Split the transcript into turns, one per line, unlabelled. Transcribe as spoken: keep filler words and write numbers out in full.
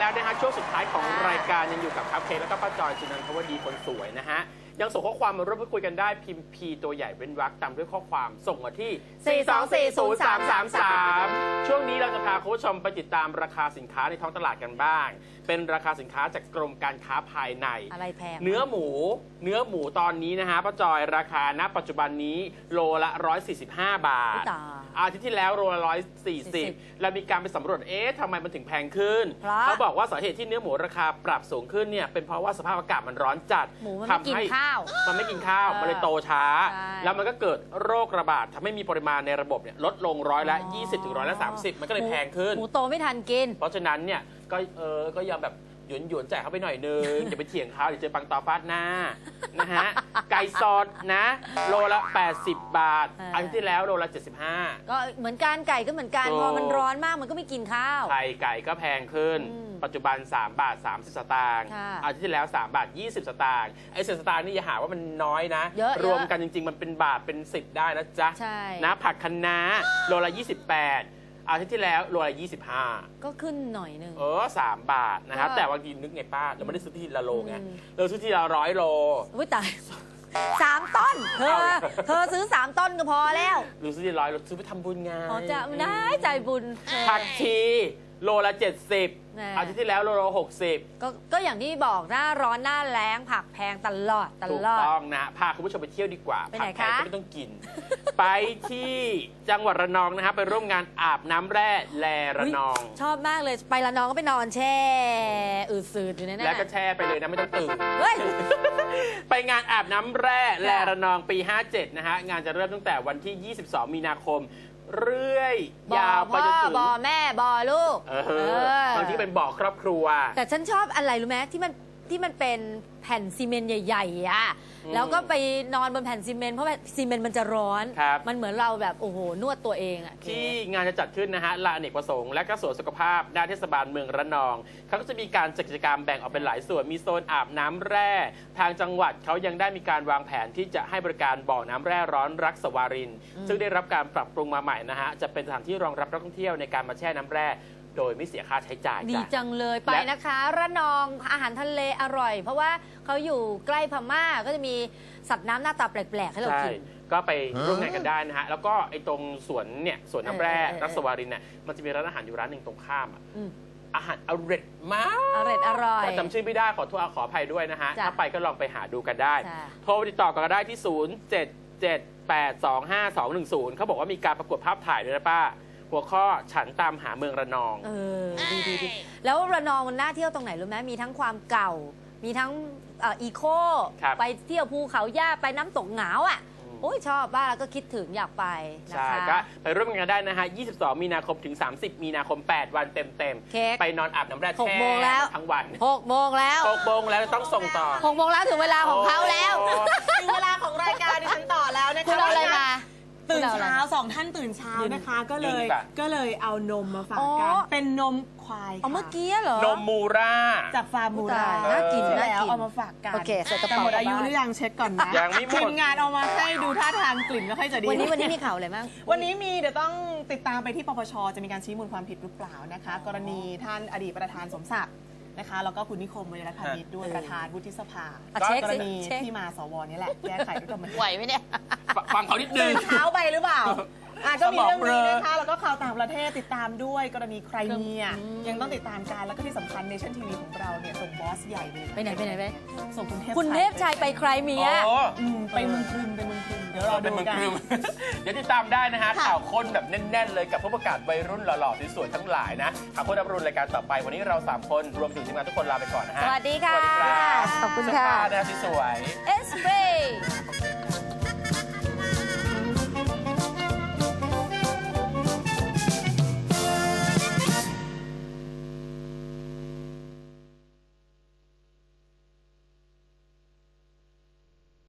แล้วนะฮะช่วงสุดท้ายของรายการยังอยู่กับครับเคแล้วก็ป้าจอยจุนันทวดีคนสวยนะฮะยังส่งข้อความมาร่วมพูดคุยกันได้พิมพ์ P ตัวใหญ่เว้นวรรคตามด้วยข้อความส่งมาที่ สี่ สอง สี่ ศูนย์ สาม สาม สาม ช่วงนี้เราจะพาคุณผู้ชมไปติดตามราคาสินค้าในท้องตลาดกันบ้างเป็นราคาสินค้าจากกรมการค้าภายใน
อะไรแพง
เนื้อหมูเนื้อหมูตอนนี้นะฮะป้าจอยราคาณปัจจุบันนี้โลละหนึ่งร้อยสี่สิบห้าบาทอาทิตย์ที่แล้วโลละหนึ่งร้อยสี่สิบเรามีการไปสำรวจเอ๊ะทำไมมันถึงแพงขึ้นเขาบอกว่าสาเหตุที่เนื้อหมูราคาปรับสูงขึ้นเนี่ยเป็นเพราะว่าสภาพอากาศมันร้อนจัด
ทำให้ข้าว
มันไม่กินข้าวมันเลยโตช้าแล้วมันก็เกิดโรคระบาดทำให้มีปริมาณในระบบเนี่ยลดลงร้อยละยี่สิบถึงร้อยละสามสิบมันก็เลยแพงขึ้น
หมูโตไม่ทันกิน
เพราะฉะนั้นเนี่ยก็เออก็ยอมแบบหยวนหยวนแจกเขาไปหน่อยนึง อย่าไปเถียงเขาเดี๋ยวเจอปังตอฟาดหน้านะฮะไก่สดนะโลละแปดสิบบาทอันที่แล้วโลละเจ็ดสิบห้า
ก็เหมือนกันไก่ก็เหมือนกันพอมันร้อนมากมันก็ไม่กินข้าว
ไข่ไก่ก็แพงขึ้นปัจจุบันสามบาทสามสิบสตางค์อันที่แล้วสามบาทยี่สิบสตางค์ไอ้สิบสตางค์นี่อย่าหาว่ามันน้อยนะรวมกันจริงๆมันเป็นบาทเป็นสิบได้นะจ๊ะนะผักคะน้าโลละยี่สิบแปดอาทิตย์ที่แล้วโลละยี่สิบห้า
ก็ขึ้นหน่อยนึง
เออสามบาทนะครับแต่บางทีนึกไงป้าเราไม่ได้ซื้อที่ละโลไงเราซื้อที่ละร้อยโล
อุ้ยตายสามต้นเธอเธอซื้อสามต้นก็พอแล้ว
หรือซื้อที่ร้อยเราซื้อไปทำบุญไง
อ๋อจะได้ใจบุญ
ผักชีโลละเจ็ดสิบอาทิตย์ที่แล้วโลละหกสิบ
ก็ก็อย่างที่บอกหน้าร้อนหน้าแล้งผักแพงตลอดตลอด
ถูกต้องนะพาคุณผู้ชมไปเที่ยวดีกว่า
ไปไหนคะ
ผักแพงก็ไม่ต้องกินไปที่จังหวัดระนองนะครับไปร่วมงานอาบน้ำแร่แลระนอง
ชอบมากเลยไประนองก็ไปนอนแช่อืดสืดอยู่ในนั้น
แล้วก็แช่ไปเลยนะไม่ต้องตื่นไปงานอาบน้ำแร่แลระนองปีห้าเจ็ดนะฮะงานจะเริ่มตั้งแต่วันที่ยี่สิบสองมีนาคมเรื่อยยาวไปจนถึง
บ่อแม่บ่อลูก
บางทีเป็นบ่อครอบครัว
แต่ฉันชอบอะไรรู้ไหมที่มันที่มันเป็นแผ่นซีเมนต์ใหญ่ๆอ่ะแล้วก็ไปนอนบนแผ่นซีเมนต์เพราะซีเมนต์มันจะร้อนมันเหมือนเราแบบโอ้โหนวดตัวเองอ่ะ
ที่งานจะจัดขึ้นนะฮะลานอเนกประสงค์และก็สวนสุขภาพด้านเทศบาลเมืองระนองเขาก็จะมีการจัดกิจกรรมแบ่งออกเป็นหลายส่วนมีโซนอาบน้ำแร่ทางจังหวัดเขายังได้มีการวางแผนที่จะให้บริการบ่อน้ำแร่ร้อนรักสวารินซึ่งได้รับการปรับปรุงมาใหม่นะฮะจะเป็นสถานที่รองรับนักท่องเที่ยวในการมาแช่น้ำแร่โดยไม่เสียค่าใช้จ่าย
ดีจังเลยไปนะคะระนองอาหารทะเลอร่อยเพราะว่าเขาอยู่ใกล้พม่าก็จะมีสัตว์น้ำหน้าตาแปลกๆให้เรากิน
ก็ไปร่วมงานกันได้นะฮะแล้วก็ไอ้ตรงสวนเนี่ยสวนน้ำแร่รักสวารินเนี่ยมันจะมีร้านอาหารอยู่ร้านหนึ่งตรงข้ามอาหารอร่อยมาก
อร่อยอร่อย
จำชื่อไม่ได้ขอโทษขออภัยด้วยนะฮะถ้าไปก็ลองไปหาดูกันได้โทรติดต่อกันได้ที่ศูนย์ เจ็ด เจ็ด แปด สอง ห้า สอง หนึ่ง ศูนย์เขาบอกว่ามีการประกวดภาพถ่ายด้วยนะป้าหัวข้อฉันตามหาเมืองระนอง
เออดีดีดีแล้วระนองมันน่าเที่ยวตรงไหนรู้ไหมมีทั้งความเก่ามีทั้งอีโคไปเที่ยวภูเขาหญ้าไปน้ำตกเหงาอ่ะโอ้ยชอบบ้านแล้วก็คิดถึงอยากไปนะคะ
ใช่ก็ไปร่วมงานได้นะฮะยี่สิบสองมีนาคมถึงสามสิบมีนาคมแปดวันเต็มๆไปนอนอาบน้ำแร่แช่ทั้งวัน
หกโมงแล้ว
หกโมงแล้วต้องส่งต่อ
หกโมงแล้วถึงเวลาของเขาแล้ว
ถึงเวลาของรายการดิฉันต่อแล้วนะคะ
คุณเอาอะไรมา
ตื่นเช้าสองท่านตื่นเช้านะคะก็เลยก็เลยเอานมมาฝากกันเป็นนมควาย
เอาเมื่อกี้เหรอน
มมูรา
จากฟาร์มมูรา
น่ากิน
แล้วเอามาฝากกัน
โอเคใส่กระ
เป๋าหมดอายุหรือยังเช็คก่อนนะ
ยังไม่หมด
ทีมงานเอามาให้ดูท่าทางกลิ่นไม่ค่อยจะดี
วันนี้วันนี้มีข่าวอะไรบ้าง
วันนี้มีเดี๋ยวต้องติดตามไปที่ปปชจะมีการชี้มูลความผิดหรือเปล่านะคะกรณีท่านอดีตประธานสมศักดิ์นะคะแล้วก็คุณนิคม วิรพานิชด้วยประธานวุฒิสภากรณีที่มาสวนี่แหละแก้ไขด้วยกัน
ไหวไหมเนี่ย
ฟังเขานิดนึง
เช้าไปหรือเปล่าอ่ะก็มีเรื่องนี้นะคะแล้วก็ข่าวต่างประเทศติดตามด้วยกรณีใครเมียยังต้องติดตามกันแล้วก็ที่สำคัญเนชั่นทีวีของเราเนี่ยส่งบอสใหญ่
ไปไหนไปไหนไป
ส่งคุณเทพ
คุณเทพชัยไปใครเมีย
ไปเมืองครึมไปเมืองครึมเดี๋ยวรอดูกัน
เดี๋ยวติดตามได้นะฮะข่าวค้นแบบแน่นๆเลยกับผู้ประกาศวัยรุ่นหล่อๆสวยๆทั้งหลายนะข่าวค้นอัปรุณรายการต่อไปวันนี้เราสามคนรวมถึงทีมงานทุกคนลาไปก่อนนะฮะ
สวัสดีค่ะ
ขอบคุณค่ะนะสวย
เอสเปรย์